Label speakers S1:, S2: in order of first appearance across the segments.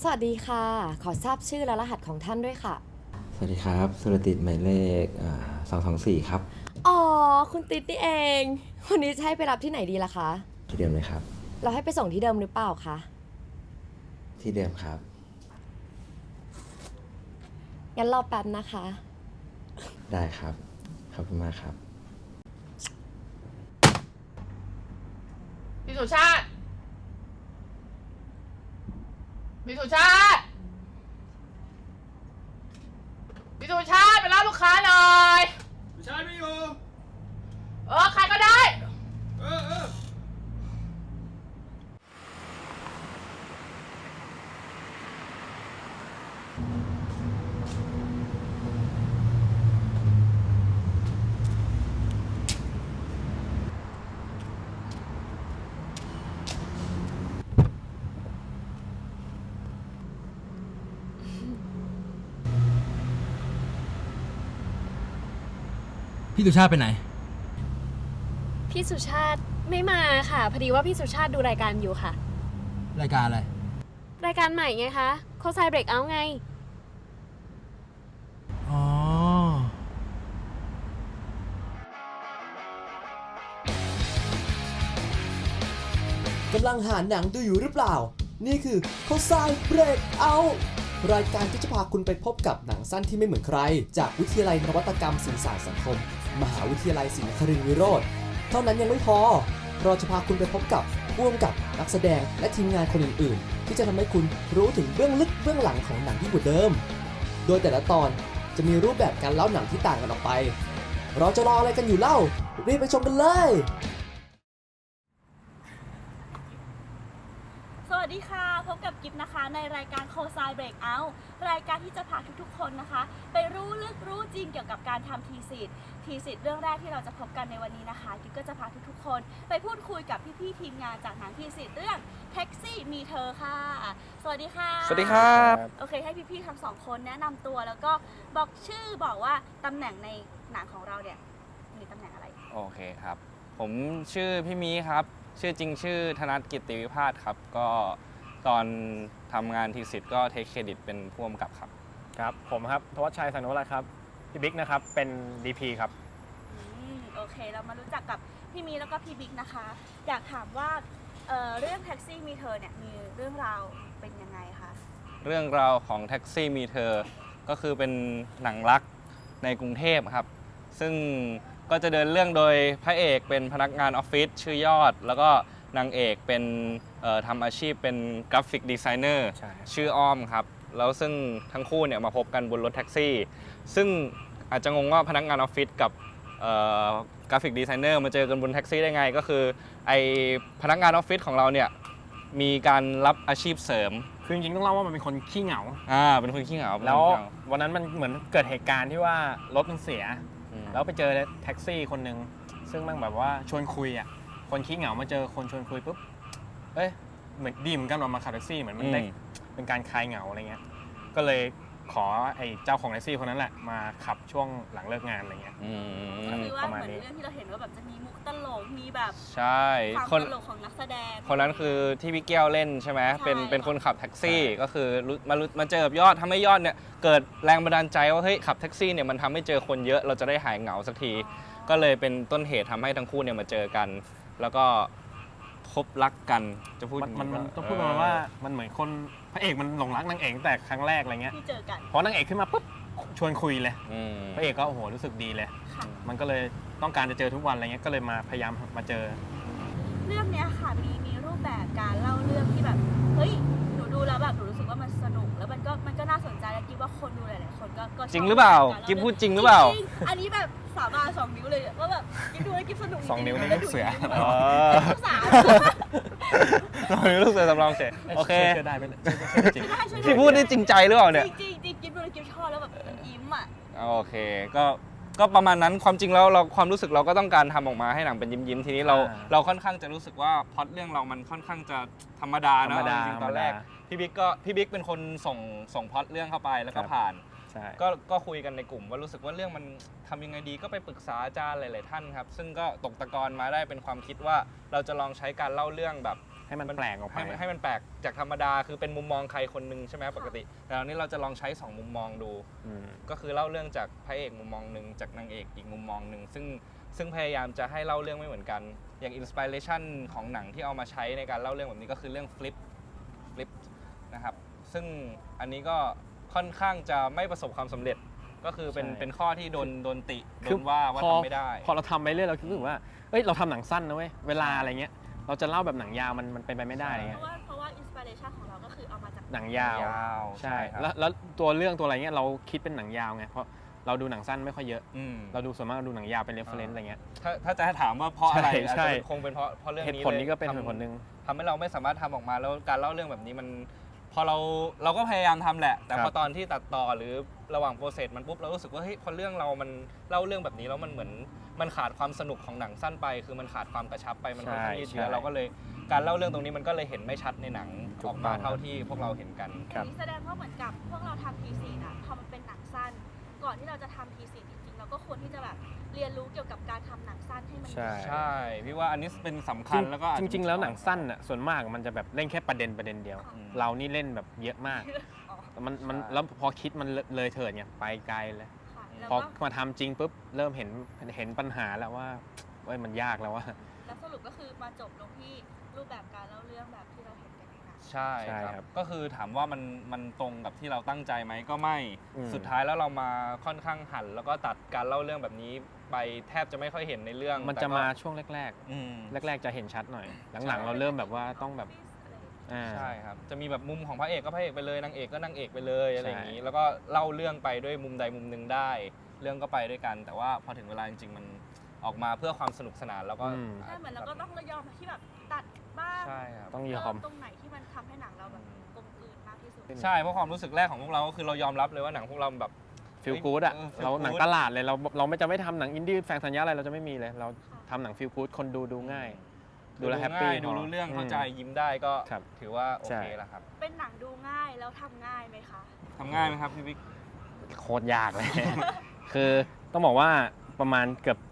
S1: สวัสดีค่ะ ขอทราบชื่อและรหัสของท่านด้วยค่ะ
S2: สวัสดีครับสุรติดหมายเลข224ครับ
S1: อ๋อ คุณติ๊ดนี่เอง วันนี้จะให้ไปรับที่ไหนดีล่ะคะ
S2: ที่เดิมเลยครับ
S1: เราให้ไปส่งที่เดิมหรือเปล่าคะ
S2: ที่เดิมครับ
S1: งั้นรอแป๊บนะคะ
S2: ได้ครับขอบคุณมากครับ
S3: พี่สุชาติพี่สุชาติพี่สุชาติไปรับลูกค้าหน่อย
S4: สุชาติไม่อยู่
S3: ใครก็ได้
S4: เออ
S5: พี่สุชาติไปไหน
S6: พี่สุชาติไม่มาค่ะ พอดีว่าพี่สุชาติดูรายการอยู่ค่ะ
S5: รายการอะไร
S6: รายการใหม่ไงคะโคไซเบรกเอาไง
S5: อ๋อ
S7: กำลังหาหนังดูอยู่หรือเปล่า นี่คือเขาทรายเบรกเอารายการที่จะพาคุณไปพบกับหนังสั้นที่ไม่เหมือนใคร จากวิทยาลัยนวัตกรรมสื่อสารสังคม มหาวิทยาลัยศรีนครินทรวิโรธเท่านั้นยังไม่พอ เราจะพาคุณไปพบกับผู้กำกับนักแสดงและทีมงานคนอื่นๆ ที่จะทำให้คุณรู้ถึงเบื้องลึกเบื้องหลังของหนังที่บทเดิม โดยแต่ละตอนจะมีรูปแบบการเล่าหนังที่ต่างกันออกไป เราจะรออะไรกันอยู่เล่ารีบไปชมกันเลย
S8: สวัสดีค่ะ พบกับกิฟนะคะในรายการโคไซเบรกเอารายการที่จะพาทุกๆคนนะคะ ไปรู้ลึกรู้จริงเกี่ยวกับการทำทีสิทธิ์เรื่องแรกที่เราจะพบกันในวันนี้นะคะกิฟก็จะพาทุกๆคนไปพูดคุยกับพี่ๆทีมงานจากหนังทีสิทธิ์เรื่องแท็กซี่มีเธอค่ะสวัสดีค่ะ
S9: สวัสดีครับ
S8: โอเคให้พี่ๆทั้งสองคนแนะนำตัวแล้วก็บอกชื่อบอกว่าตำแหน่งในหนังของเราเนี่ยมีตำแหน่งอะไร
S9: โอเคครับ ผมชื่อพี่มีครับ ชื่อจริงชื่อธนัทกิตติวิพาสครับ ก็ตอนทำงานทีสิทธ์ก็เทคเครดิตเป็นผู้กำกับครับ
S10: ครับผมครับธวัชชัยสังโนรัตน์ครับพี่บิ๊กนะครับเป็น DP ครับ
S8: โอเคเรามารู้จักกับพี่มีแล้วก็พี่บิ๊กนะคะ อยากถามว่าเรื่องแท็กซี่มีเธอเนี่ยมีเรื่องราวเป็นยังไงคะ
S9: เรื่องราวของแท็กซี่มีเธอ ก็คือเป็นหนังรักในกรุงเทพครับ ซึ่งก็จะเดินเรื่องโดยพระเอกเป็นพนักงานออฟฟิศชื่อยอด แล้วก็นางเอกเป็นทำอาชีพเป็นกราฟิกดีไซเนอร์ชื่ออ้อมครับ แล้วซึ่งทั้งคู่เนี่ยมาพบกันบนรถแท็กซี่ ซึ่งอาจจะงงว่าพนักงานออฟฟิศกับกราฟิกดีไซเนอร์มาเจอกันบนแท็กซี่ได้ไง ก็คือไอพนักงานออฟฟิศของเราเนี่ยมีการรับอาชีพเสริม
S10: คือจริงๆต้องเล่าว่ามันเป็นคนขี้เหงา
S9: เป็นคนขี้เหงา
S10: แล้ววันนั้นมันเหมือนเกิดเหตุการณ์ที่ว่ารถมันเสียแล้วไปเจอแท็กซี่คนหนึ่งซึ่งมันแบบว่าชวนคุยอ่ะคนขี้เหงามาเจอคนชวนคุยปุ๊บเหมือนดีเหมือนกันออกมาขับแท็กซี่เหมือนมันได้เป็นการคลายเหงาอะไรเงี้ยก็เลยขอไอ้เจ้าของแท็กซี่คนนั้นแหละมาขับช่วงหลังเลิกงานอะไรเงี้ย
S8: ก็คือว่าเหมือนเรื่องที่เราเห็นว่าแบบจะมีมุกตลกมีแบบ
S9: ใช่
S8: ความตลกของนักแสดง
S9: คนนั้นคือที่พี่แก้วเล่นใช่ไหมเป็นคนขับแท็กซี่ก็คือมาเจอกับยอดทำให้ยอดเนี่ยเกิดแรงบันดาลใจว่าเฮ้ยขับแท็กซี่เนี่ยมันทำให้เจอคนเยอะเราจะได้หายเหงาสักทีก็เลยเป็นต้นเหตุทำให้ทั้งคู่เนี่ยมาเจอกันแล้วก็พบรักกันจะพูด
S10: มันต้องพูดมาว่ามันเหมือนคนพระเอกมันหลงรักนางเอกแต่ครั้งแรกอะไรเงี้ย
S8: ที่เจอกัน
S10: พอนางเอกขึ้นมาปุ๊บชวนคุยเลยพระเอกก็โอ้โหรู้สึกดีเลยมันก็เลยต้องการจะเจอทุกวันอะไรเงี้ยก็เลยมาพยายามมาเจอ
S8: เรื่องนี้ค่ะมีรูปแบบการเล่าเรื่องที่แบบเฮ้ยหนูดูแล้วแบบหนูรู้สึกว่ามันสนุกแล้วมันก็น่าสนใจแล้วคิดว่าคนดูหลายๆคนก็
S9: จริงหรือเปล่ากิ๊บพูดจริงหรือเปล่า
S8: อันนี้แบบสาบาน2 นิ้วเลยว่าแบบกิ๊บดูแล้วกิ๊บสนุก
S10: 2 นิ้วนี่ลูกเสือ
S8: ลูกสาว
S9: ลูกเสือสำรองเสร็จโอเค
S10: ได้ไหม
S9: ที่พูดนี่จริงใจหรือเปล่าเนี่ย
S8: จริงกิ๊บดูแล้วกิ๊บชอบแล้วแบบยิ้มอ่ะ
S9: โอเคก็ประมาณนั้นความจริงแล้วเราความรู้สึกเราก็ต้องการทำออกมาให้หนังเป็นยิ้มทีนี้เราค่อนข้างจะรู้สึกว่าพล็อตเรื่องเรามันค่อนข้างจะธรรมดานะจริงตอนแรกพี่บิ๊กเป็นคนส่งพล็อตเรื่องเข้าไปแล้วก็ผ่านก็คุยกันในกลุ่มว่ารู้สึกว่าเรื่องมันทำยังไงดีก็ไปปรึกษาอาจารย์หลายๆท่านครับซึ่งก็ตกตะกอนมาได้เป็นความคิดว่าเราจะลองใช้การเล่าเรื่องแบบ
S10: ให้มันแปลกออกไป
S9: ให้มันแปลกจากธรรมดาคือเป็นมุมมองใครคนหนึ่งใช่ไหมปกติแต่ตอนนี้เราจะลองใช้2มุมมองดูก็คือเล่าเรื่องจากพระเอกมุมมองหนึ่งจากนางเอกอีกมุมมองหนึ่งซึ่งพยายามจะให้เล่าเรื่องไม่เหมือนกันอย่างอินสปิเรชันของหนังที่เอามาใช้ในการเล่าเรื่องแบบนี้ก็คือเรื่องฟลิปนะครับซึ่งอันนี้ก็ค่อนข้างจะไม่ประสบความสำเร็จก็คือเป็นข้อที่โดนติโดนว่าทำไม่ได้
S10: พอเราทำไปเรื่อยเราคิดว่าเอ้ยเราทำหนังสั้นนะเว้ยเวลาอะไรเงี้ยเราจะเล่าแบบหนังยาวมันเป็นไปไม่ได้อะไรเงี้ย
S8: เพราะว่าอินสปิเรชันของเราก็คือเอามาจาก
S10: หนังยาวใช่
S9: ครับ
S10: แล้วตัวเรื่องตัวอะไรเงี้ยเราคิดเป็นหนังยาวไงเพราะเราดูหนังสั้นไม่ค่อยเยอะเราดูส่วนมากเราดูหนังยาวเป็นเรฟเฟรนซ์อะไรเงี้ย
S9: ถ้าจะให้ถามว่าเพราะอะไร
S10: ใช่
S9: คงเป็นเพราะเรื่องนี้
S10: เหตุผลนี้ก็เป็นเหตุผลหนึ่ง
S9: ทำให้เราไม่สามารถทำออกมาแล้วการเล่าเรื่องแบบนี้มันพอเราก็พยายามทำแหละแต่พอตอนที่ตัดต่อหรือระหว่างโปรเซสมันปุ๊บเรารู้สึกว่าเฮ้ยพอเรื่องเรามันเล่าเรื่องแบบนี้แล้วมันเหมือนมันขาดความสนุกของหนังสั้นไปคือมันขาดความกระชับไปมันค่อนข้างยืดเยื้อเราก็เลยการเล่าเรื่องตรงนี้มันก็เลยเห็นไม่ชัดในหนังออกมาเท่าที่พวกเราเห็นกัน
S8: แสดงว่าเหมือนกับพวกเราทำทีซีน่ะพอมันเป็นหนังสั้นก่อนที่เราจะทำทีซีจริงๆเราก็ควรที่จะแบบเรียนรู้เกี่ยวกับการทำหนังสั้นให้มัน
S9: ใช่พี่ว่าอันนี้เป็นสำคัญแล้วก็
S10: จริงๆแล้วหนังสั้นอ่ะส่วนมากมันจะแบบเล่นแค่ประเด็นเดียวเรานี่เล่นแบบเยอะมากมันแล้วพอคิดมันเลยเถิดไงไปไกลเลยพอมาทำจริงปุ๊บเริ่มเห็นปัญหาแล้วว่ามันยากแล้วว่า
S8: แล้วสรุปก็คือมาจบลงที่รูปแบบการเล่าเรื่องแบบที่เราเห็นกันในหนัง
S9: ใช่ครับก็คือถามว่ามันตรงกับที่เราตั้งใจไหมก็ไม่สุดท้ายแล้วเรามาค่อนข้างหันแล้วก็ตัดการเล่าเรื่องแบบนี้ไปแทบจะไม่ค่อยเห็นในเรื่อง
S10: มันจะมาช่วงแรกจะเห็นชัดหน่อยหลังๆเราเริ่มแบบว่าต้องแบบ
S9: ใช่ครับจะมีแบบมุมของพระเอกก็พระเอกไปเลยนางเอกก็นางเอกไปเลยอะไรอย่างนี้แล้วก็เล่าเรื่องไปด้วยมุมใดมุมหนึ่งได้เรื่องก็ไปด้วยกันแต่ว่าพอถึงเวลาจริงๆมันออกมาเพื่อความสนุกสนานแล้วก็
S8: ใช่เหมือนเราก็ต้องยอมที่แบบตัดบ้าง
S9: ใช่ครับ
S10: ต้องยอม
S8: ตรงไหนที่มันทำให้หนังเราแบบกลมกลืนมากที่สุด
S9: ใช่เพราะความรู้สึกแรกของพวกเราก็คือเรายอมรับเลยว่าหนังพวกเราแบบ
S10: ฟีลกู๊ดอะเราหนังตลาดเลยเราไม่จะไม่ทำหนังอินดี้แฝงสัญญาอะไรเราจะไม่มีเลยเราทำหนังฟีลกู๊ดคนดูง่ายดูแลแฮปปี้
S9: ดูรู้เรื่องเข้าใจยิ้มได้ก็ถือว่าโอเคแล้วครับ
S8: เป็นหนังดูง่ายแล้วทำง่ายไหมคะ
S9: ทำง่ายไหมครับพี่บิ๊ก
S10: โคตรยากเลย คือต้องบอกว่าประมาณเกือบ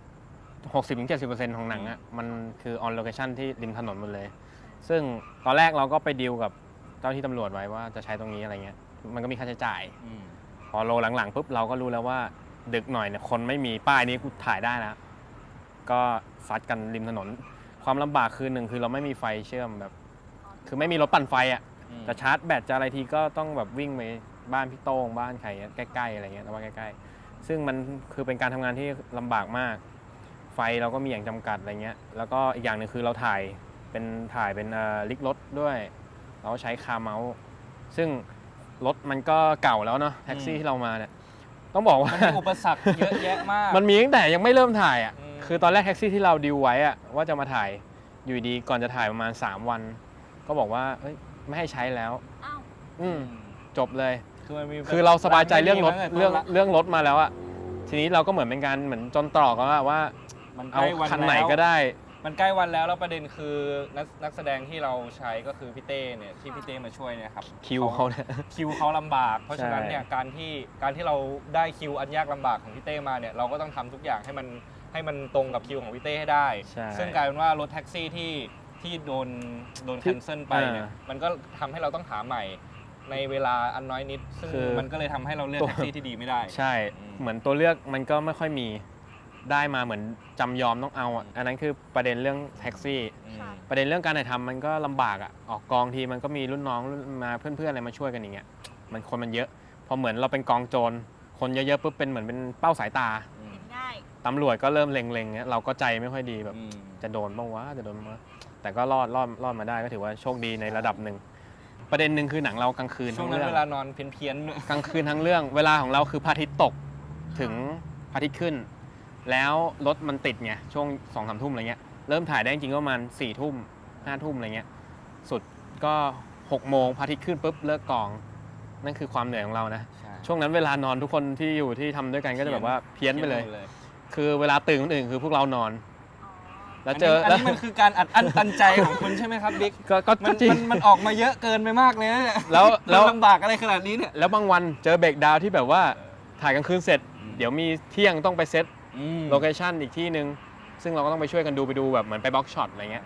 S10: 60-70% ของหนังอ่ะมันคือออนโลเคชั่นที่ริมถนนหมดเลยซึ่งตอนแรกเราก็ไปดีลกับเจ้าที่ตำรวจไว้ว่าจะใช้ตรงนี้อะไรเงี้ยมันก็มีค่าใช้จ่ายพอโลหลังๆปุ๊บเราก็รู้แล้วว่าดึกหน่อยเนี่ยคนไม่มีป้ายนี้กูถ่ายได้แล้วก็ซัดกันริมถนนความลำบากคือหนึ่งคือเราไม่มีไฟเชื่อมแบบคือไม่มีรถปั่นไฟอ่ะจะชาร์จแบตจะอะไรทีก็ต้องแบบวิ่งไปบ้านพี่โต้งบ้านใครใกล้ๆอะไรเงี้ยแต่ว่าใกล้ๆซึ่งมันคือเป็นการทำงานที่ลำบากมากไฟเราก็มีอย่างจำกัดอะไรเงี้ยแล้วก็อีกอย่างหนึ่งคือเราถ่ายเป็นลิกรถด้วยเราใช้คาร์เมาส์ซึ่งรถมันก็เก่าแล้วเนาะแท็กซี่ที่เรามาเนี่ยต้องบอกว่า
S9: มันมีอุปสรรคเยอะแยะมาก
S10: มันมีตั้งแต่ยังไม่เริ่มถ่ายอ่ะคือตอนแรกแท็กซี่ที่เราดีลไว้อ่ะว่าจะมาถ่ายอยู่ดีก่อนจะถ่ายประมาณ3วันก็บอกว่าเฮ้ยไม่ให้ใช้แล้วจบเลยคือเราสบายใจเรื่องรถมาแล้วอ่ะทีนี้เราก็เหมือนเป็นการเหมือนจนตรอกว่าเอาคันไหนก็ได้
S9: มันใกล้วันแล้วประเด็นคือนักแสดงที่เราใช้ก็คือพี่เต้เนี่ยที่พี่เต้มาช่วยเนี่ยครับ
S10: คิว
S9: เขาลำบากเพราะฉะนั้นเนี่ยการที่เราได้คิวอันยากลำบากของพี่เต้มาเนี่ยเราก็ต้องทำทุกอย่างให้มันตรงกับคิวของพี่เต้ให้ได้ซึ่งกลายเป็นว่ารถแท็กซี่ที่โดนแคนเซิลไปเนี่ยมันก็ทำให้เราต้องหาใหม่ในเวลาอันน้อยนิดซึ่งมันก็เลยทำให้เราเลือกแท็กซี่ที่ดีไม่ได้
S10: ใช่เหมือนตัวเลือกมันก็ไม่ค่อยมีได้มาเหมือนจำยอมต้องเอาอันนั้นคือประเด็นเรื่องแท็กซี่ประเด็นเรื่องการถ่ายทำมันก็ลำบากอ่ะออกกองทีมันก็มีรุ่นน้องมาเพื่อนๆอะไรมาช่วยกันอย่างเงี้ยมันเยอะพอเหมือนเราเป็นกองโจรคนเยอะๆปุ๊บเป็นเหมือนเป็นเป้าสายตาตำรวจก็เริ่มเล็งๆเงี้ยเราก็ใจไม่ค่อยดีแบบจะโดนบ้างวะแต่ก็รอดมาได้ก็ถือว่าโชคดีในระดับหนึ่งประเด็นหนึ่งคือหนังเรากลางคืน
S9: ช่วงนั้นเวลานอนเพี้ยน
S10: กลางคืนทั้งเรื่องเวลาของเราคือพระอาทิตย์ตกถึงพระอาทิตย์ขึ้นแล้วรถมันติดไงช่วง 2-3 ทุ่มอะไรเงี้ยเริ่มถ่ายได้จริงๆก็ประมาณ 4 ทุ่ม 5 ทุ่มอะไรเงี้ยสุดก็ 6 โมงพระอาทิตย์ขึ้นปุ๊บเลิกกองนั่นคือความเหนื่อยของเรานะช่วงนั้นเวลานอนทุกคนที่อยู่ที่ทำด้วยกันก็จะแบบว่าเพี้ยนไปเลยคือเวลาตื่นคนอื่นคือพวกเรานอน
S9: แล้วอันนี้มันคือการอัดอั้นตันใจของคุณใช่ไหมครับบิ๊ก
S10: ก็จริง
S9: มันออกมาเยอะเกินไปมากเลยแล้วลำบากอะไรขนาดนี้เนี่ย
S10: แล้วบางวันเจอเบรกดาวน์ที่แบบว่าถ่ายกลางคืนเสร็จเดี๋ยวมีเที่ยงต้องไปเซตโลเคชั่นอีกที่นึงซึ่งเราก็ต้องไปช่วยกันไปดูแบบเหมือนไปบล็อกช็อตอะไรเงี้ย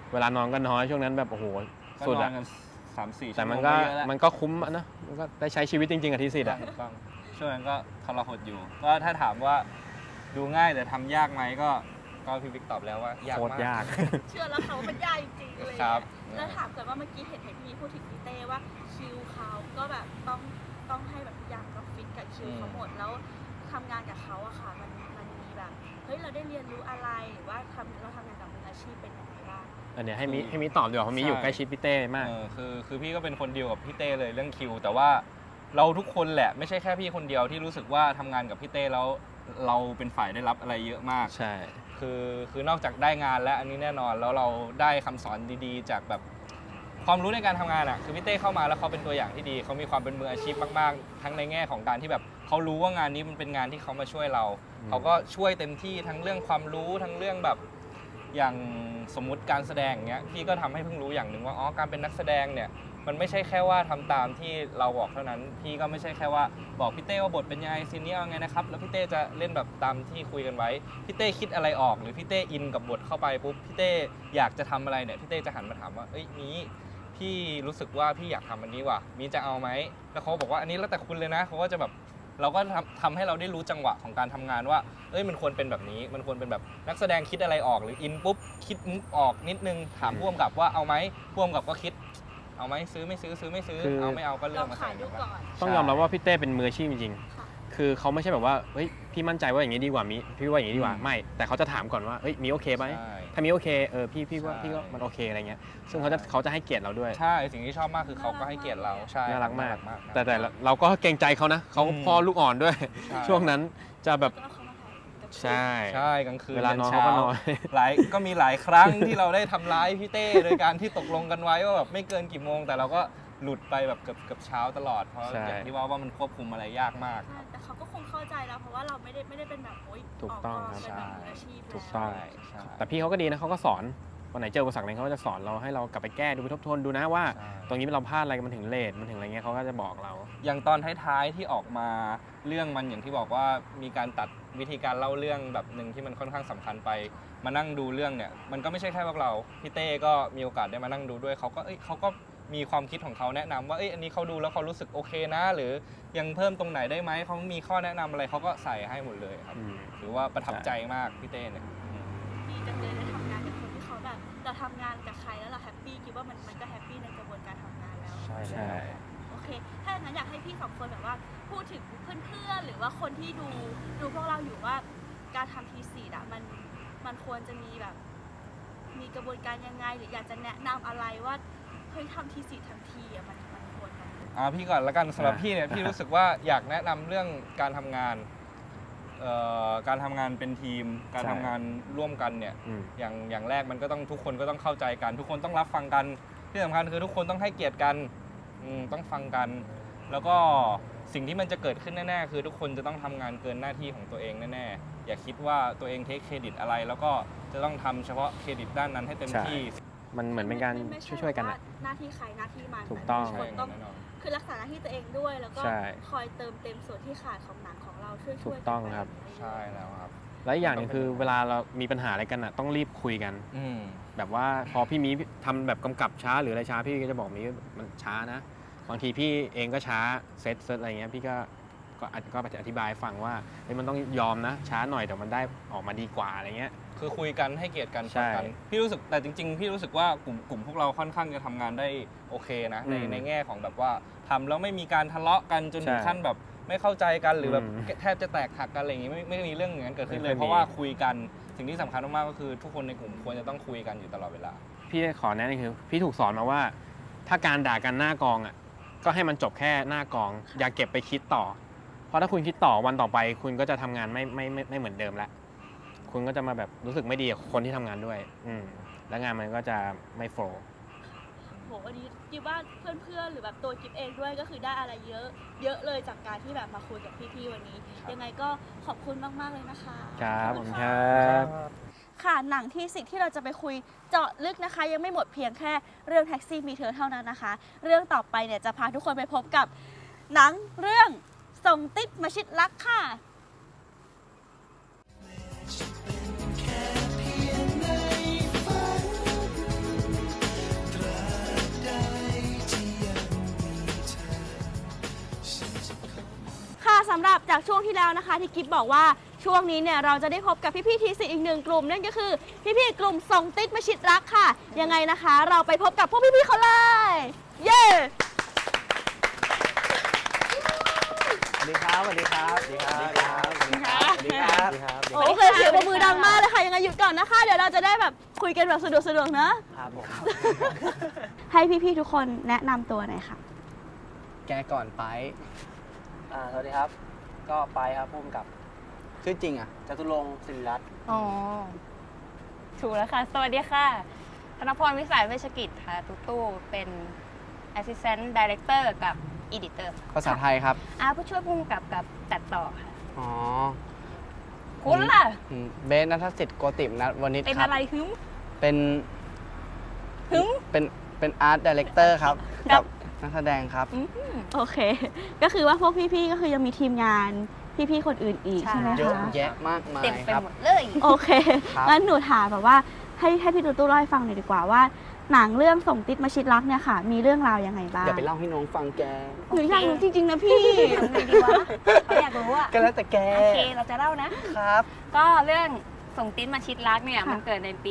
S10: เวลานอนก็น้อยช่วงนั้นแบบโอ้โห
S9: ก็
S10: สุด
S9: นอ
S10: อะ
S9: นกัน3-4
S10: แต่
S9: ชั่วโม
S10: มัน
S9: ง
S10: ก็
S9: เยอะแล้ว
S10: มันก็คุ้มอะนะมันก็ได้ใช้ชีวิตจริงๆกับทีสิทธิ์อะ
S9: ถูกต้องช่วงนั้นก็ทรหดอยู่ก็ถ้าถามว่าดูง่ายแต่ทำยากไหมก็พี่บิ๊กตอบแล้วว่ายาก
S10: โคตร
S9: มาก
S10: ยาก
S8: เชื่อแล้วค่ะว่ามันยากจริงๆเลย
S9: ครับ
S8: แล้วถามก่อนว่าเมื่อกี้เห็นพี่พูดถึงพี่เต้ว่าคิวเขาก็แบบต้องให้แบบทุกอย่างต้องฟิตกับคิวเขาหมดแล้วทำงานกับเขาอะค่ะมันมีแบบเฮ้ยเราได้เรียนรู้อะไรหรือว่าเราทำงานกับมืออาชีพเป็นยังไงบ้าง
S10: อันเนี้ยให้มิตอบดีกว่าเพราะมิอยู่ใกล้ชิดพี่เต้มาก
S9: คือพี่ก็เป็นคนเดียวกับพี่เต้เลยเรื่องคิวแต่ว่าเราทุกคนแหละไม่ใช่แค่พี่คนเดียวที่รู้สึกว่าทำงานกับพี่เต้แล้วเราเป็นฝ่ายได้รับอะไรเยอะมาก
S10: ใช่
S9: คือนอกจากได้งานแล้วอันนี้แน่นอนแล้วเราได้คำสอนดีๆ จากแบบความรู้ในการทำงานอ่ะคือพี่เต้เข้ามาแล้วเขาเป็นตัวอย่างที่ดีเขามีความเป็นมืออาชีพมากๆทั้งในแง่ของการที่แบบเขารู้ว่างานนี้มันเป็นงานที่เขามาช่วยเราเขาก็ช่วยเต็มที่ทั้งเรื่องความรู้ทั้งเรื่องแบบอย่างสมมุติการแสดงอย่างเงี้ยพี่ก็ทำให้เพิ่งรู้อย่างหนึ่งว่าอ๋อการเป็นนักแสดงเนี่ยมันไม่ใช่แค่ว่าทำตามที่เราบอกเท่านั้นพี่ก็ไม่ใช่แค่ว่าบอกพี่เต้ว่าบทเป็นยังไงซีนนี้เอาไงนะครับแล้วพี่เต้จะเล่นแบบตามที่คุยกันไว้พี่เต้คิดอะไรออกหรือพี่เต้อินกับบทเข้าไปปุ๊บพี่เต้อยากจะทำอะไรเนี่ยพี่เต้จะหันมาถามว่าเอ้ยนี้พี่รู้สึกว่าพี่อยากทำอันนี้ว่ะมีจะเอาไหมแล้วเขาบอกว่าอันนี้แล้วแต่คุณเลยนะเขาก็จะแบบเราก็ทำให้เราได้รู้จังหวะของการทำงานว่าเอ้ยมันควรเป็นแบบนี้มันควรเป็นแบบนักแสดงคิดอะไรออกหรืออินปุ๊บคิดมุกออกนิดนึงถามพ่วงกับว่าเอาไหมพ่วงกับก็คิดเอาไหมซื้อไม่ซื้อซื้อไม่ซื้อเอาไม่เอาก็เลือกมาใส่กัน
S10: ต้องยอมรับว่าพี่เต้เป็นมืออาชีพจริง
S8: ค่ะ
S10: ๆคือเขาไม่ใช่แบบว่าเฮ้ยพี่มั่นใจว่าอย่างนี้ดีกว่ามิพี่ว่าอย่างนี้ดีกว่าไม่แต่เขาจะถามก่อนว่าเฮ้ยมีโอเคไหม
S9: ใช่
S10: ถ้ามีโอเคพี่ว่าพี่ก็มันโอเคอะไรเงี้ยซึ่งเขาจะให้เกียรติเราด้วย
S9: ใช่สิ่งที่ชอบมากคือเขาก็ให้เกียรติเราใช่
S10: น่ารักมาก
S9: ครับ
S10: แต่เราก็เกรงใจเขานะเขาพ่อลูกอ่อนด้วย
S9: ใช่
S10: ช่วงนั้นจะแบบ
S8: ก็เอาเขามาถ่ายกับ
S10: ใช่
S9: ใช่กลางคืน
S10: เวลานอน
S9: ช้
S10: เขาก็นอน
S9: ก็มีหลายครั้งที่เราได้ทำร้ายพี่เต้โดยการที่ตกลงกันไว้ว่าแบบไม่เกินกี่โมงแต่เราก็หลุดไปแบบเกือบเช้าตลอดเพราะ
S10: ใช่
S9: อย่างที่ว่ามันควบคุมอะไรยากมาก
S8: ใช่แต่เขาก็คงเข้าใจแล้วเพราะว่าเราไม่ได้เป็นแบบโอ๊ย
S10: ถูกต้อง
S8: เป็นแบบมืออาชีพ
S10: ถูกต้อง
S9: ใช่
S10: แต่พี่เขาก็ดีนะเขาก็สอนวันไหนเจออุปสรรคอะไรเขาก็จะสอนเราให้เรากลับไปแก้ดูไปทบทวนดูนะว่า
S9: ใช่
S10: ตรงนี้เราพลาดอะไรมันถึงเลทมันถึงอะไรเงี้ยเขาก็จะบอกเรา
S9: อย่างตอนท้ายๆที่ออกมาเรื่องมันอย่างที่บอกว่ามีการตัดวิธีการเล่าเรื่องแบบหนึ่งที่มันค่อนข้างสำคัญไปมานั่งดูเรื่องเนี่ยมันก็ไม่ใช่แค่พวกเราพี่เต้ก็มีโอกาสได้มานั่งดูด้วยเขาก็มีความคิดของเขาแนะนำว่าอันนี้เขาดูแล้วเขารู้สึกโอเคนะหรือยังเพิ่มตรงไหนได้ไหมเขามีข้อแนะนำอะไรเขาก็ใส่ให้หมดเลยครับถือว่าประทับใจมากพี่เต้เนี่ย
S8: ดีจังเลยได้ทำงานกับคนที่เขาแบบเราทำงานกับใครแล้วเราแฮปปี้คิดว่ามันก็แฮปปี้ในกระบวนการทำงานแล้ว
S9: ใช่
S10: ใช่
S8: โอเค ถ้าอย่างนั้นอยากให้พี่สองคนแบบว่าพูดถึงเพื่อนๆหรือว่าคนที่ดูพวกเราอยู่ว่าการทำทีสีอะมันควรจะมีแบบมีกระบวนการยังไงหรืออยากจะแนะนำอะไรว่าเฮ้ยทำทีสีทันทีอะมันควรไหม
S9: พี่ก่อนละกันสำหรับพี่เนี่ยพี่รู้สึกว่าอยากแนะนำเรื่องการทำงานการทำงานเป็นทีมการทำงานร่วมกันเนี่ยอย่างแรกมันก็ต้องทุกคนก็ต้องเข้าใจกันทุกคนต้องรับฟังกันที่สำคัญคือทุกคนต้องให้เกียรติกันต้องฟังกัน แล้วก็สิ่งที่มันจะเกิดขึ้นแน่ๆคือทุกคนจะต้องทำงานเกินหน้าที่ของตัวเองแน่ๆอย่าคิดว่าตัวเองเทคเครดิตอะไรแล้วก็จะต้องทำเฉพาะเครดิตด้านนั้นให้เต็มที่
S10: มันเหมือนเป็นการ
S8: ไม่ใ
S10: ช่วยๆกัน
S8: ว่า
S10: อะ
S8: หน้าที่ใครหน้าที่มัน
S10: ถูกต้อง
S8: ทุกคนต้องคือรักษาหน้าที่ตัวเองด้วยแล้วก็
S10: ใช่
S8: คอยเติมเต็มส่วนที่ขาดของหนังของเราช่วย
S10: ถู
S8: ๆ
S10: ก
S8: กัน
S10: ต้อง
S8: ไป
S10: ครับ
S9: ใช่แล้วครับ
S10: และอีกอย่างหนึงคือเวลาเรามีปัญหาอะไรกันอะต้องรีบคุยกัน แบบว่าพอพี่มีทำแบบกำกับช้าหรืออะไรช้าพี่ก็จะบอกมีมันช้านะบางทีพี่เองก็ช้าเซตอะไรเงี้ยพี่ก็อธิบายฟังว่ามันต้องยอมนะช้าหน่อยแต่มันได้ออกมาดีกว่าอะไรเงี้ย
S9: คือคุยกันให้เกียรติกัน
S10: ใช่
S9: ฟังกันพี่รู้สึกแต่จริงๆพี่รู้สึกว่ากลุ่มพวกเราค่อนข้างจะทำงานได้โอเคนะในแง่ของแบบว่าทำแล้วไม่มีการทะเลาะกันจนถึงขั้นแบบไม่เข้าใจกันหรือแบบแทบจะแตกหักกันอะไรอย่างงี้ไม่มีเรื่องอย่างนั้นเกิดขึ้นเลยเพราะว่าคุยกันสิ่งที่สำคัญมากๆก็คือทุกคนในกลุ่มควรจะต้องคุยกันอยู่ตลอดเวลา
S10: พี่ขอแนะนำคือพี่ถูกสอนมาว่า ถ้าการด่ากันหน้ากองอ่ะก็ให้มันจบแค่หน้ากอง อย่าเก็บไปคิดต่อ เพราะถ้าคุณคิดต่อวันต่อไป คุณก็จะทำงานไม่เหมือนเดิมแล้วคุณก็จะมาแบบรู้สึกไม่ดีกับคนที่ทำงานด้วยแล้วงานมันก็จะไม่โฟล์
S8: โหวันนี้กิฟว่าเพื่อนๆหรือแบบตัวกิฟเองด้วยก็คือได้อะไรเยอะเลยจากการที่แบบมาคุยกับพี่ๆวันนี้ ยังไงก็ขอบคุณมากๆเลยนะคะ
S10: ครับ
S8: ข
S10: ผ
S8: อ
S10: ม
S8: ณ
S10: ค
S8: ค่ะ
S10: รับ
S8: ค่ะหนังที่สิ่งที่เราจะไปคุยเจาะลึกนะคะ ยังไม่หมดเพียงแค่เรื่องแท็กซี่มีเธอเท่านั้นนะคะ เรื่องต่อไปเนี่ยจะพาทุกคนไปพบกับหนังเรื่องส่งติ๊บมาชิดรักค่ะำหรับจากช่วงที่แล้วนะคะที่กิฟบอกว่าช่วงนี้เนี่ยเราจะได้พบกับพี่ๆทีสิอีกหนึ่งกลุ่มนั่นก็คือพี่ๆกลุ่มส่งติ๊ดมาชิดรักค่ะยังไงนะคะเราไปพบกับพวกพี่ๆเขาเลยเย้
S10: สวัสดีครับ สวัสดีครับ สวัสดีครับ สวัสดีครับ สวัสดีครับ สวัสดีครับ
S8: โอเคเสียงปรบมือดังมากเลยค่ะยังไงหยุดก่อนนะคะเดี๋ยวเราจะได้แบบคุยกันแบบสะดวกๆนะครับ
S10: ผม
S8: ให้พี่ๆทุกคนแนะนำตัวหน่อยค่ะ
S10: แกก่อนไปสวัสดีครับ ก็ไปครับพุ่มกับ ชื่อจริงอ่ะจตุรงค์ศิริรัตน์
S6: อ๋อ ถูกแล้วค่ะ สวัสดีค่ะ ธนพรวิสัยเวชกิจค่ะ ตู้เป็น Assistant Director กับ Editor
S10: ภาษาไทยครับ
S6: ผู้ช่วยผู้กำกับกับตัดต่อค่ะ
S10: อ๋อ
S6: คุณล่ะ
S10: เบสณัฐสิทธิ์โกติมนัทวณิช
S6: เป็น
S10: ครับ
S6: อะไรหึม
S10: เป็น
S6: หึม
S10: เป็นอาร์ตดีเลกเตอร์ครับ
S6: ครั
S10: กับ นักแสดงครับ
S8: โอเค ก็คือว่าพวกพี่ๆก็คือยังมีทีมงานพี่ๆคนอื่นอีกใช่ไหม
S10: เยอะ
S8: คะ
S10: แยะมากมาย
S6: เต็มไป
S10: ครับ
S6: หมดเลย
S8: โอเค
S10: ครับ
S8: งั้นหนูถามแบบว่าให้พี่ตู้เล่าให้ฟังหน่อยดีกว่าว่าหนังเรื่องส่งติ๊ดมาชิดรักเนี่ยค่ะ มีเรื่องราวยังไงบ้าง
S10: อย่าไปเล่าให้น้องฟังแก
S8: หนูอยากรู้จริงๆนะพี่
S6: ทำไงดีวะเขาอยากรู้อะ
S10: ก็แล้วแต่แก
S6: โอเค เราจะเล่านะ
S10: ครับ
S6: ก็เรื่องส่งติ๊ดมาชิดรักเนี่ย
S8: ค่ะ
S6: มันเกิดในปี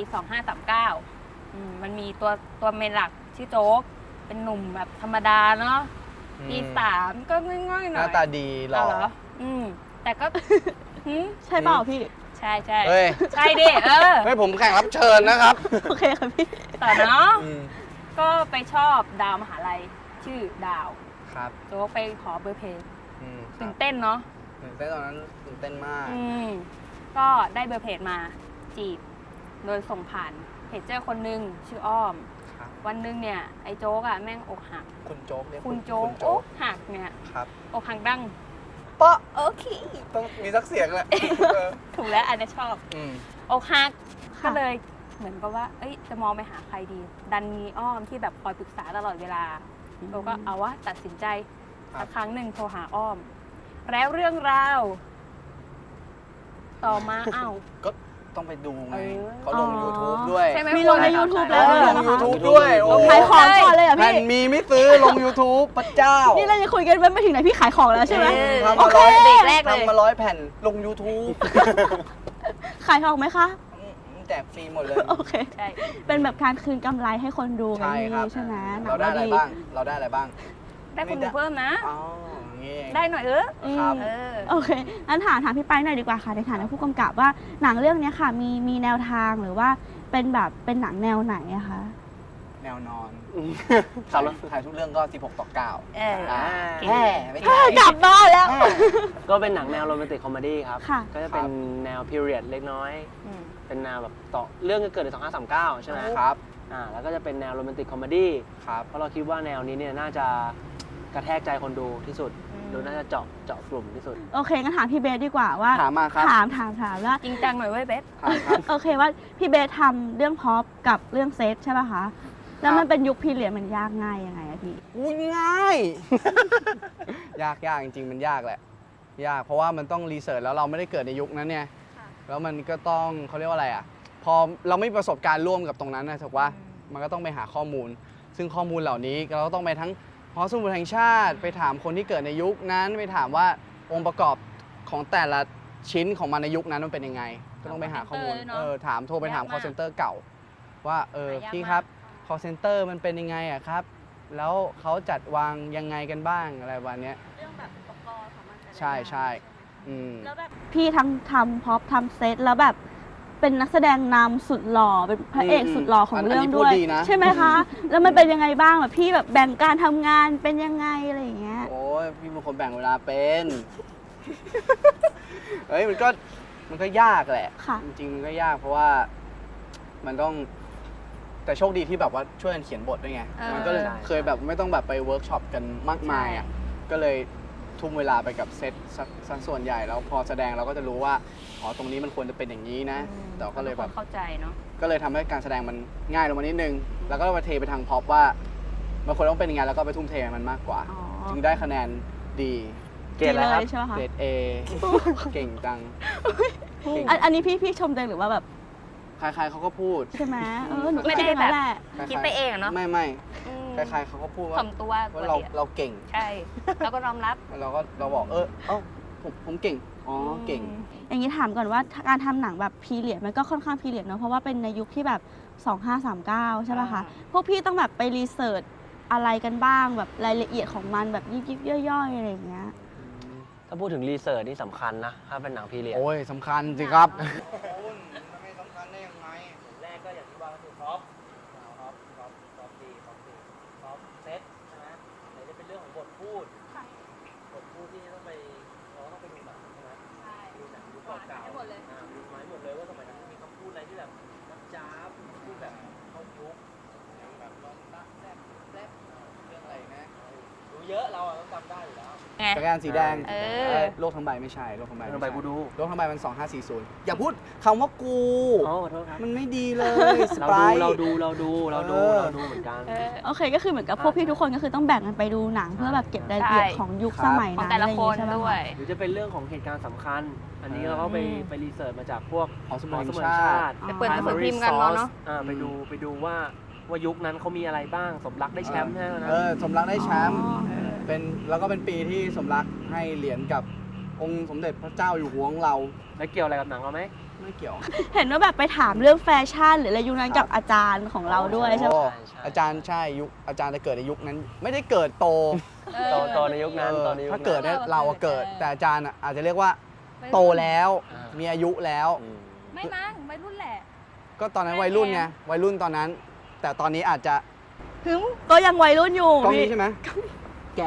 S6: 2539มันมีตัวเมนหลักชื่อโจ๊ก เป็นหนุ่มแบบธรรมดาเนาะ ปี 3 ก็ง่อยๆห
S10: ห
S6: น่อย
S10: น้าตาดีหล่อ
S6: เหรอ แต่ก็ หืม
S8: ใช่เปล่าพี่
S6: ใช่
S10: เฮ้ย
S6: ใช่ดิ
S10: เฮ้ยผมแข่งรับเชิญนะครับ
S8: โอเคค่ะพี่
S6: ต่อเนาะ
S10: อืม
S6: ก็ไปชอบดาวมหาลัยชื่อดาว
S10: ครับ
S6: โจ๊กไปขอเบอร์เพลง
S10: ครั
S6: ตื่
S10: บ
S6: นเต้นเนาะ
S10: ตื่นเต้นตอนนั้นตื่นเต้นมาก
S6: ก็ได้เบอร์เพจมาจีบ โดยส่งผ่านเพจเจอร์คนหนึ่งชื่ออ้อม
S10: ครับ
S6: วันหนึงเนี่ย ไอ้โจ๊กอะแม่งอกหัก
S10: คุณโจ๊กเรียก
S6: คุณโจ๊ก
S10: โจ๊
S6: อกหักเนี่ย
S10: ครับ
S6: อกหักดัง
S10: ปะ
S6: โอเค
S10: ต้องมีสักเสียงแหละ
S6: ถูกแล้วอันนี้ชอบ
S10: อืม
S6: อกหัก
S8: ค่ะ
S6: ก็เลยเหมือนกับว่า เอ้ยจะมองไปหาใครดี ดันมีอ้อมที่แบบคอยปรึกษาตลอดเวลาเราก็เอาวะตัดสินใจ
S10: ครับ
S6: สักครั้งหนึ่งโทรหาอ้อม แล้วเรื่องราวต่อมา อ้าว
S10: ก็ต้องไปดูไง
S6: เออ
S10: เขาลง YouTube ด้วย
S6: ใช่ไหม
S8: มีลงใน YouTube แล้ว
S10: เขา
S8: เหร
S10: ล
S8: อง คะ
S10: YouTube ด้วยโอ้
S8: ขายของก่อนเลยเหรอ่ะ
S10: แผ่
S8: พี่
S10: นมีไม่ซื้อลง YouTube พระเจ้า
S8: นี่เราจะคุยกันไม่ถึงไหนพี่ขายของแล้วใช่ไหม
S10: ทำ
S8: โอ
S10: มา
S8: เค
S10: ร้อย
S6: เบรกแรกเลย
S10: ทำมา100 แผ่นลง YouTube
S8: ขายของไหมคะ
S10: แจกฟรีหมดเลย
S8: โอเค
S6: ใช่
S8: เป็นแบบการคืนกำไรให้คนดูกัน
S10: ใช่ครับ
S8: ใช่ไหมหนั
S10: เราได้อะไร
S8: ดี
S10: บ้าง เราได้อะไรบ้าง
S6: ได้คนดูเพิ่มนะ
S10: อ๋ออย่างงี้เอง
S6: ได้หน่อย
S8: อืม
S10: ครับ
S8: โอเคงั้นถามพี่ไปหน่อยดีกว่าค่ะในฐานะผู้กำกับว่าหนังเรื่องเนี้ยค่ะมีแนวทางหรือว่าเป็นแบบเป็นหนังแนวไหนอะคะ
S10: แนวนอนถ่ายทุกเรื่องก็ 16:9
S6: เออ เก่ง
S10: แห่ไม่
S8: เฮ้
S10: ใช่
S8: ยกลับบ้านแล้ว
S11: ก็เป็นหนังแนวโรแมนติกคอมเมดี้ครับ
S8: ค่ะ
S11: ก็จะเป็นแนวพีเรียดเล็กน้อย เป็นแนวแบบต่อเรื่องก็เกิดใน2539 ใช่ไหม
S10: ครับ
S11: แล้วก็จะเป็นแนวโรแมนติกคอมเมดี้
S10: ครับ
S11: เพราะเราคิดว่าแนวนี้เนี่ยน่าจะกระแทกใจคนดูที่สุดหรือน่าจะเจาะกลุ่มที่สุด
S8: โอเคงั้นถามพี่เบสดีกว่าว่า
S10: ถามมาครับ
S8: ถามว่า
S6: จริงจังหน่อยเว้ยเบส
S10: ถามครับ
S8: โอเคว่าพี่เบสทำเรื่องพ็อปกับเรื่องเซตใช่ป่ะคะ แล้วมันเป็นยุคพีเรียดมันยากง่ายยังไงอะพี่
S10: อุ้ยง่าย ยากจริงๆมันยากแหละ ยากเพราะว่ามันต้องรีเสิร์ชแล้วเราไม่ได้เกิดในยุคนั้นเนี่ยแล้วมันก็ต้องเขาเรียกว่าอะไรอ่ะพอเราไม่มีประสบการณ์ร่วมกับตรงนั้นนะถูกว่ามันก็ต้องไปหาข้อมูล ซึ่งข้อมูลเหล่านี้เราก็ต้องไปทั้งหอสมุดแห่งชาติ ไปถามคนที่เกิดในยุคนั้นไปถามว่าองค์ประกอบของแต่ละชิ้นของมันในยุคนั้นมันเป็นยังไง ก็ต้องไปหาข้อมูล โทรไปถาม call center เก่า ว่า
S6: หายาก
S10: พี่ครับ
S6: มาก
S10: call center มันเป็นยังไงอะครับ แล้วเขาจัดวางยังไงกันบ้างอะไรวันนี้ย
S8: เรื่องแบบอุปกรณ์ของมัน
S10: ใช่ใช่อืม
S8: แล้วแบบพี่ทั้งทำพ็อปทำเซตแล้วแบบเป็นนักแสดงนำสุดหล่อเป็นพระเอกสุดหล่อของเรื่องด้วย ใช่ไหมคะ แล้วมันเป็นยังไงบ้างแบบพี่แบบแบ่งการทำงานเป็นยังไงอะไรอย่างเงี้ย
S10: โอ้ยพี่เป็นคนแบ่งเวลาเป็น เฮ้ยมันก็ยากแหละ
S8: ค่ะ
S10: จริงๆมันก็ยากเพราะว่ามันต้องแต่โชคดีที่แบบว่าช่วยกันเขียนบทด้วยไง มันก็เลยเคยแบบไม่ต้องแบบไปเวิร์กช็อปกันมากมายอ่ะก็เลยทุ่มเวลาไปกับเซตสักส่วนใหญ่แล้วพอแสดงเราก็จะรู้ว่าอ๋อตรงนี้มันควรจะเป็นอย่างนี้นะแต่ก็เลยแบบ
S6: เข้าใจเนาะ
S10: ก็เลยทำให้การแสดงมันง่ายลงมานิดนึง แล้วก็มาเทไปทางพ็อปว่ามันควรต้องเป็นยังไงแล้วก็ไปทุ่มเทมันมากกว่า
S8: อ๋อ
S10: จึงได้คะแนนดี
S11: เกรดอะไรครับ
S8: ใช่ไหมคะ
S10: เกรด A เก่งจัง
S8: อันนี้พี่ชมตัวเองหรือว่าแบบ
S10: ใครๆเขาก็พูด
S8: ใช่ไหมหนูก็
S6: ไม่
S8: คิด
S6: ได้
S8: อย่างนั้นแหละ
S6: คิดไปเองอะเนาะ
S10: ไม่
S6: อืม
S10: ใครๆเขาก็พูดว่า
S6: ถ่อมตัว
S10: ว่าเราเก่ง
S6: ใช่ แล้วก็ยอมรับ
S10: แล้วเราบอกเอ้า
S11: ผมเก่ง อ๋อ เก่ง
S8: อย่างนี้ถามก่อนว่าการทำหนังแบบพีเรียดมันก็ค่อนข้างพีเรียดเนาะเพราะว่าเป็นในยุคที่แบบ 2539 ใช่ป่ะคะ พวกพี่ต้องแบบไปรีเสิร์ชอะไรกันบ้างแบบรายละเอียดของมันแบบยิบๆย่อยๆอะไรอย่างเงี้ย
S11: ถ้าพูดถึงรีเสิร์ชนี่สำคัญนะ ถ้าเป็นหนังพีเรียด
S5: โอ้ยสำคัญสิครับ
S11: ไม่สำคัญได้ยังไงแรกก็อย่างที่ว่าก็คือท็อปดีท็อปเซตใช่ไหมไหนจะเป็นเรื่องของบทพูดที่ต้องไปเราต้องไปดูหนังใช่ไหมดูหนังดูเก่าๆดูไม้หมดเลยว่าสมัยนั้นมีคำพูดอะไรที่แบบนับจ้าบพูดแบบเข้ายุคแบบลองตั๊กแซ่บเรื่องอะไรนะดูเยอะเราต้องจำได้อยู่แล้ว
S5: จักรยานสีแดง
S6: เออ
S5: โลกทั้งใบไม่ใช่ โลกทั้งใบ
S11: โลกทั้งใบกูดู
S5: โลกทั้งใบมัน 2540 อย่าพูดคำว่ากู
S11: อ๋อขอโทษครับ
S5: มันไม่ดีเลยสไปร์
S11: เราดูเหมือนกัน
S8: โอเคก็คือเหมือนกับพวกพี่ทุกคนก็คือต้องแบ่งกันไปดูหนังเพื่อแบบเก็บรายละเอียดของยุคสมัย
S6: ของ
S8: นั้น
S6: แต่ละ
S8: อะไรอ
S6: ค
S8: ย่าง
S6: น
S8: งี้ใช่ไหม
S6: ด้วย
S11: หรือจะเป็นเรื่องของเหตุการณ์สำคัญ อันนี้เราก็ไปรีเสิร์ชมาจากพวก
S5: หอสมุน
S11: หอ
S5: ชาติ
S6: ไปเปิดหนังสือพิมพ์กันเนาะ
S11: ไปดูว่ายุคนั้นเขามีอะไรบ้างสมรักได้แชมป์ใช่ไหมนะ
S5: สมรักได้แชมป์แล้วก็เป็นปีที่สมรักให้เหรียญกับองค์สมเด็จพระเจ้าอยู่หัวของเรา
S11: แล้วเกี่ยวอะไรกับหนังเราไหม
S5: ไม่เกี่ยว
S8: เห็นว่าแบบไปถามเรื่องแฟชั่นหรืออะไรยุคนั้นกับอาจารย์ของเราด้วยใช่ไหม
S5: โอ้อาจารย์ใช่ยุคอาจารย์จะเกิดในยุคนั้น ไม่ได้เกิดโต
S11: ตอนในยุคนั้น
S5: ถ้าเกิดเนี่ยเราเกิด แต่อาจารย์อาจจะเรียกว่าโตแล้ว มีอายุแล้ว
S6: ไม่มั้งวัยรุ่นแหละ
S5: ก็ตอนนั้นวัยรุ่นไงวัยรุ่นตอนนั้น แต่ตอนนี้อาจจะ
S8: ถึงก็ยังวัยรุ่นอยู่
S5: กล้องนี้ใช่ไหมแก่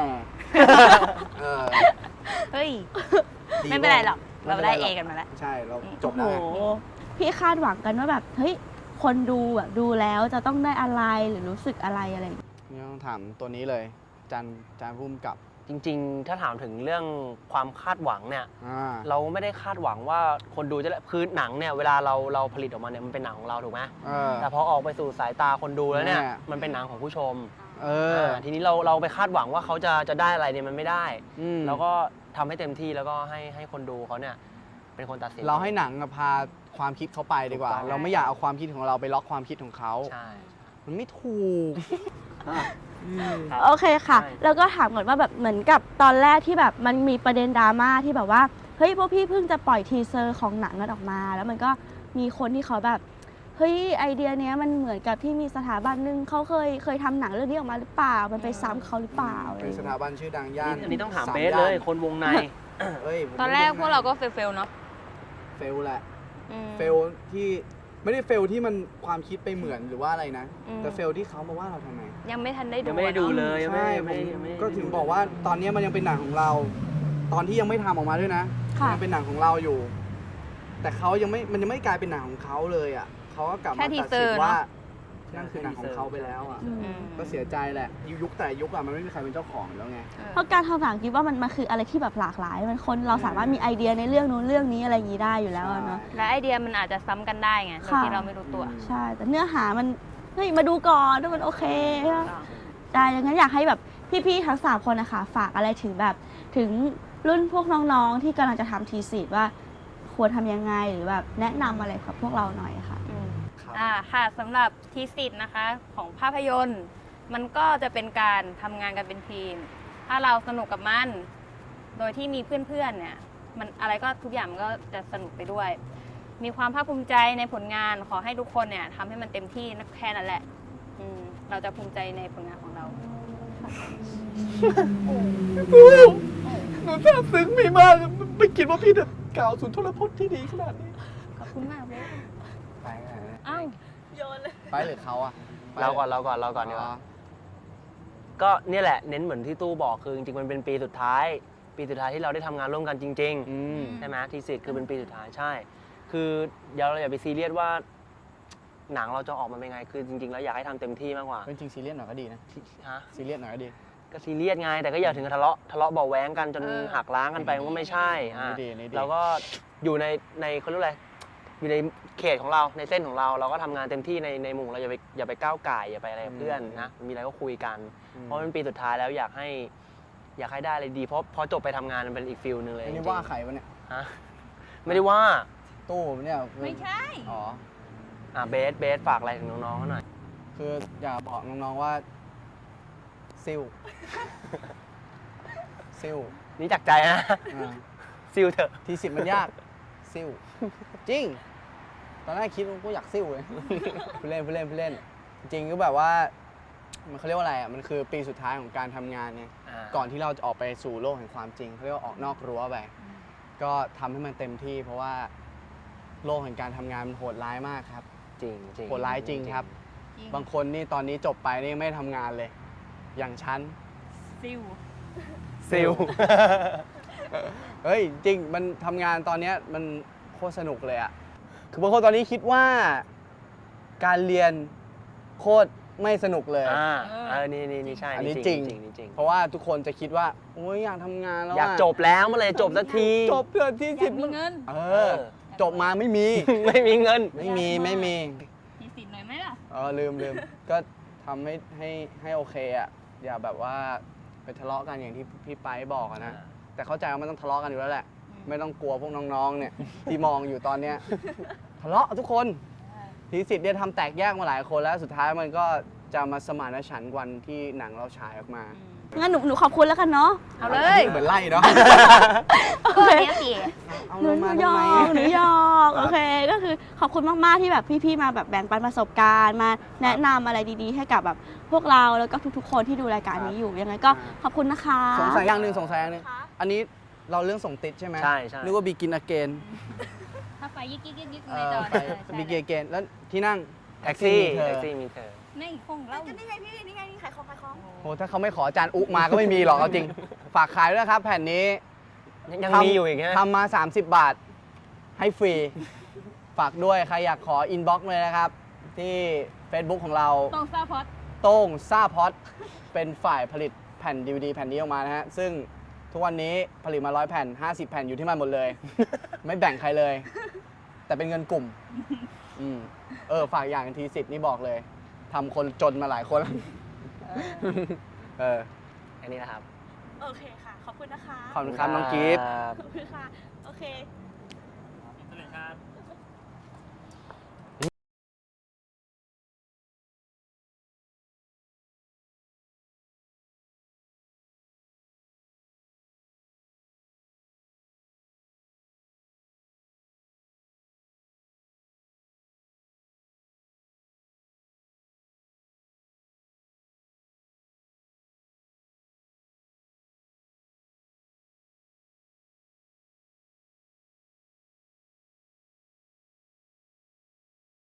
S6: เฮ้ย
S5: ดี
S6: ไม่เป็นไรหรอก
S5: ไม่
S6: เรา
S5: เป็น
S6: ได้
S5: ไรหร
S6: เอก กันมาแล้ว
S5: ใช่เราจบ
S8: โอ้
S5: แล้ว
S8: โห
S5: ไง
S8: พี่คาดหวังกันว่าแบบเฮ้ยคนดูแบบดูแล้วจะต้องได้อะไรหรือรู้สึกอะไรอะไรอย่างเงี้ย
S5: นี่ต้องถามตัวนี้เลยอาจารย์พุ่มกับ
S11: จริงๆ ถ้าถามถึงเรื่องความคาดหวังเนี่ย เราไม่ได้คาดหวังว่าคนดูจะคือหนังเนี่ยเวลาเราผลิตออกมาเนี่ยมันเป็นหนังของเราถูกไหมแต่พอออกไปสู่สายตาคนดูแล้วเนี่ยมันเป็นหนังของผู้ชมทีนี้เราไปคาดหวังว่าเขาจะได้อะไรเนี่ยมันไม่ได้แล้วก็ทำให้เต็มที่แล้วก็ให้คนดูเขาเนี่ยเป็นคนตัดสิน
S5: เราให้หนังพาความคิดเขาไปดีกว่า เราไม่อยากเอาความคิดของเราไปล็อกความคิดของเขา
S11: ใช่
S5: มันไม่ถูก
S8: โอเคค่ะ แล้วก็ถามก่อนว่าแบบเหมือนกับตอนแรกที่แบบมันมีประเด็นดราม่าที่แบบว่าเฮ้ยพวกพี่เพิ่งจะปล่อยทีเซอร์ของหนังกันออกมา แล้วมันก็มีคนที่เขาแบบเฮ้ยไอเดียเนี้ยมันเหมือนกับที่มีสถาบันหนึ่งเขาเคยทำหนังเรื่องนี้ออกมาหรือเปล่ามันไปซ้ำเขาหรือเปล่า
S5: เป็นสถาบันชื่อดังย่าน
S11: อันนี้ต้องถามเบสเลยคนวงใน
S6: ตอนแรกพวกเราก็เฟลเนาะ
S5: เฟลแหละ เฟลที่ไม่ได้เฟลที่มันความคิดไปเหมือนหรือว่าอะไรนะ แต่เฟลที่เขามาว่าเราทำไม
S6: ยังไม่ทันได้ดู
S11: ยังไม่ได้ดูเลย
S5: ใช่ผมก็ถึงบอกว่าตอนนี้มันยังเป็นหนังของเรา ตอนที่ยังไม่ทำออกมาด้วยนะยังเป็นหนังของเราอยู่ แต่เขามันยังไม่กลายเป็นหนังของเขาเลยอ่ะเขาก็กลับมาตัดสินว่านั่นคือหนังของเขาไปแล้วอ่ะก็เสียใจแหละยุคแต่ยุคอ่ะมันไม่มีใครเป็นเจ้าของแล้วไง
S8: เพราะการทำหนังคิดว่ามันคืออะไรที่แบบหลากหลายมันคนเราสามารถมีไอเดียในเรื่องนู้นเรื่องนี้อะไรอย่างนี้ได้อยู่แล้วเนาะ
S6: และไอเดียมันอาจจะซ้ำกันได้ไงโดยที่เราไม่รู้ตัว
S8: ใช่แต่เนื้อหามันเฮ้ยมาดูก่อนว่ามันโอเคได้ดังนั้นอยากให้แบบพี่ๆทั้ง3คนนะคะฝากอะไรถึงแบบถึงรุ่นพวกน้องๆที่กำลังจะทำทีสิทธ์ว่าควรทำยังไงหรือแบบแนะนำอะไรกับพวกเราหน่อยค่ะ
S6: ค่ะสำหรับทีสิทธ์นะคะของภาพยนตร์มันก็จะเป็นการทำงานกันเป็นทีม ถ้าเราสนุกกับมันโดยที่มีเพื่อนๆเนี่ยมันอะไรก็ทุกอย่างมันก็จะสนุกไปด้วย มีความภาคภูมิใจในผลงานขอให้ทุกคนเนี่ยทำให้มันเต็มที่แค่นั้นแหละเราจะภูมิใจในผลงานของเรา
S5: หนูซาบซึ้งมีมากไม่คิดว่าพี่จะกล่าวสุนทรพจน์ที่ดีขนาดนี้
S6: ขอบคุณมากเลย
S5: ไป
S6: อ้าว
S8: โยนเลย
S5: ไปหรือเขาอ่ะ
S11: เราก่อนดีกว่าก็เนี่ยแหละเน้นเหมือนที่ตู้บอกคือจริงๆมันเป็นปีสุดท้ายที่เราได้ทำงานร่วมกันจริงๆใช่ไหมทีสิทธ์คือเป็นปีสุดท้ายใช่ คือเราอย่าไปซีเรียสว่าหนังเราจะออกมาเป็นไงคือจริงๆแล้วอยากให้ทำเต็มที่มากกว่า
S5: จริงๆซีเรียสหน่อยก็ดีนะ
S11: ฮะ
S5: ซีเรียสหน่อยก็ดี
S11: ก็ซีเรียสไงแต่ก็อย่าถึงทะเลาะเบาะแว้งกันจนหักล้างกันไปมันก็ไม่ใช่เราก็อยู่ในเขาเรียกอะไรอยู่ในเขตของเราในเส้นของเราก็ทำงานเต็มที่ในมุมเราอย่าไปก้าวไก่อย่าไปอะไรกับเพื่อนนะมีอะไรก็คุยกันเพราะมันปีสุดท้ายแล้วอยากให้ได้อะไรดีเพราะพอจบไปทำงานมันเป็นอีกฟิลนึงเลย
S5: อันนี้ว่าใครวะเนี่ย
S11: ฮะไม่ได้ว่า
S5: ตู้เนี่ย
S6: ไม่ใช่
S5: อ๋อ
S11: เบสฝากอะไรถึงน้องๆเขาหน่อย
S5: คืออยากบอกน้องๆว่าซิล
S11: นี่จากใจนะซิลเถอะ
S5: ทีสิทธิ์มันยาก ซิ่วจริง ตอนแรกคิดว่ากูอยากซิ่วเลย ผู้เล่น จริงก็แบบว่า มันเขาเรียกว่าอะไรอ่ะ มันคือปีสุดท้ายของการทำงานไง ก่อนที่เราจะออกไปสู่โลกแห่งความจริงเขาเรียกว่าออกนอกรั้วไป ก็ทำให้มันเต็มที่ เพราะว่าโลกแห่งการทำงานมันโหดร้ายมากครับ
S11: จริง
S5: โหดร้ายจริงครับ บางคนนี่ตอนนี้จบไปนี่ไม่ทำงานเลย อย่างฉัน
S6: ซิว
S11: ซิล
S5: เฮ้ยจริงมันทำงานตอนเนี้ยมันโคตรสนุกเลยอะคือบางคนตอนนี้คิดว่าการเรียนโคตรไม่สนุกเลย
S11: นี่ใช่
S5: อันนี้
S11: นี่
S5: จริง
S11: จริง
S5: เพราะว่าทุกคนจะคิดว่าโอ้ยอยากทำงานแล้ว
S11: อยากจบแล้วเมื่อไหรจบสักที
S5: จบเพื่อที่สิบ
S6: มีเงิน
S5: จบมาไม่มี
S11: ไม่มีเงิน
S5: ไม่มี
S6: ทีสิทธิ์หน่อยไหมล่ะ
S5: ลืมก็ทำให้โอเคอะอย่าแบบว่าไปทะเลาะกันอย่างที่พี่ไปบอกอะนะ แต่เข้าใจว่ามันต้องทะเลาะกันอยู่แล้วแหละ ไม่ต้องกลัวพวกน้องๆ เนี่ยที่มองอยู่ตอนเนี้ยทะเลาะทุกคนทีสิทธิ์เนี่ยทำแตกแยกมาหลายคนแล้วสุดท้ายมันก็จะมาสมานฉันท์วันที่หนังเราฉายออกมา
S8: งั้นหนูขอบคุณแล้วกันเนาะ
S6: เอาเลย
S5: เหมือนไล่เนาะ
S8: โอเค
S6: เนี้ยสิ
S5: เอา
S8: หนู
S5: ลงมา
S8: หย
S5: ทำ
S8: อ
S5: ไม
S8: กหนูหยอกโอเค ก็คือขอบคุณมากๆที่แบบพี่ๆมาแบบแบ่งปันประสบการณ์มาแนะนำอะไรดีๆ ให้กับแบบพวกเราแล้วก็ทุกๆคนที่ดูรายการนี้อยู่ยังไงก็ขอบคุณนะคะ
S5: สงสัยอย่างหนึ่งอันนี้เราเรื่องส่งติดใช่ไหม
S11: ใช่
S5: นึกว่าบีกินอเกน
S6: ถ้าไฟยิกในจอ
S5: บีกินอเกนแล้วที่นั่ง
S11: แท็กซี่
S5: เธอ
S11: มีเธอ
S6: ไม่คงเล่า
S8: นี่ไงพี่นี่ไงขายของ
S5: โหถ้าเขาไม่ขออาจารย์อุมาก็ไม่มีหรอกเอาจริง ฝากขายด้วยนะครับ แผ่นนี้
S11: ยังมีอยู่อีกฮะ
S5: ทำมา 30 บาท ให้ฟรี ฝากด้วย ใครอยากขออินบ็อกซ์เลยนะครับ ที่ Facebook ของเรา
S6: ต้องซาพอด
S5: โต้งซ่าพอดเป็นฝ่ายผลิตแผ่น DVD แผ่นนี้ออกมานะฮะ ซึ่งทุกวันนี้ผลิตมา100 แผ่น 50 แผ่นอยู่ที่มันหมดเลย ไม่แบ่งใครเลย แต่เป็นเงินกลุ่มฝากอย่างทีสิทธิ์นี่บอกเลยทำคนจนมาหลายคนแล้ว
S11: อันนี้นะครับ
S8: โอเคค่ะ ขอบคุณนะคะ
S5: ขอบคุณครับน้องกิฟต์
S8: ขอบคุณค่ะ โอเค
S4: สวัสดีครับ